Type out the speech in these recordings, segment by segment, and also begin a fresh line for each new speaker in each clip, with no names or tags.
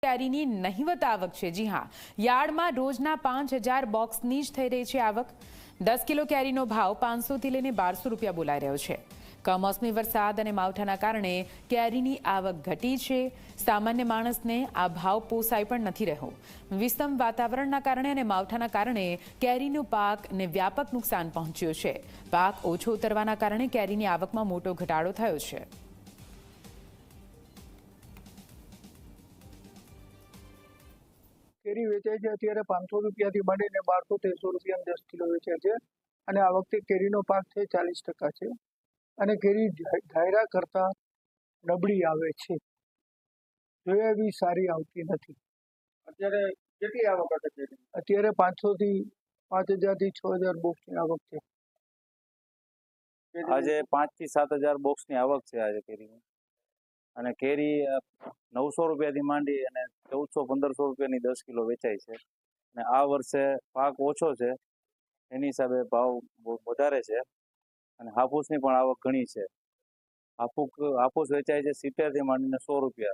કેરીની નહિવત આવક છે। જી હા, યાર્ડમાં રોજના 5000 બોક્સની જ થઈ રહી છે આવક। 10 કિલો કેરીનો ભાવ 500થી લઈને 1200 રૂપિયા બોલાઈ રહ્યો છે। કમોસમી વરસાદ અને માવઠાના કારણે કેરીની આવક ઘટી છે। સામાન્ય માણસને આ ભાવ પોસાઈ પણ નથી રહ્યો। વિષમ વાતાવરણના કારણે અને માવઠાના કારણે કેરીનો પાકને વ્યાપક નુકસાન પહોંચ્યું છે। પાક ઓછો ઉતરવાના કારણે કેરીની આવકમાં મોટો ઘટાડો થયો છે।
કેરી વેચાય છે અત્યારે 500 રૂપિયાથી માંડીને 1200-1300 રૂપિયા 10 કિલો વેચાય છે અને આ વખતે કેરીનો પાક છે 40% છે અને કેરી ધાયરા કરતા નબળી આવે છે, જોયા એવી સારી આવતી નથી।
અત્યારે કેટલી આવક હશે કેરી?
અત્યારે 500 થી 5000 થી 6000 બોક્સની આવક છે।
આજે 5 થી 7000 બોક્સની આવક છે આજે કેરીની, અને કેરી 900 રૂપિયાથી માંડી અને 1400-1500 રૂપિયાની 10 કિલો વેચાય છે। અને આ વર્ષે પાક ઓછો છે એની હિસાબે ભાવ વધારે છે અને હાફૂસની પણ આવક ઘણી છે। હાફૂસ વેચાય છે 70 થી માંડીને 100 રૂપિયા।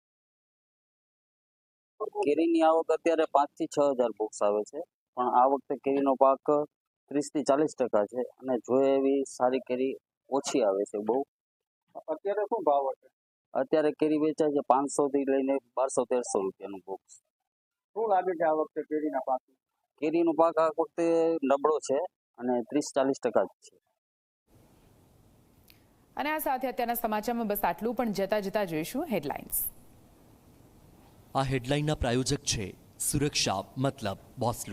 કેરીની આવક અત્યારે 5 થી 6000 બોક્સ આવે છે, પણ આ વખતે કેરીનો પાક 30 થી 40% છે અને જોઈએ એવી સારી કેરી ઓછી આવે છે બહુ।
અત્યારે શું ભાવ હશે?
અત્યારે કેરી વેચાય છે 500 થી લઈને 1200-1300 રૂપિયાનું બોક્સ।
શું લાગે છે આ વખતે કેરીના પાક?
કેરીનો પાક આ વખતે નબળો છે અને 30-40% જ છે।
અને આ સાથે અત્યારના સમાચારમાં બસ આટલું, પણ જતા જોઈશું હેડલાઇન્સ।
આ હેડલાઇનના પ્રાયોજક છે સુરક્ષા મતલબ બોસ।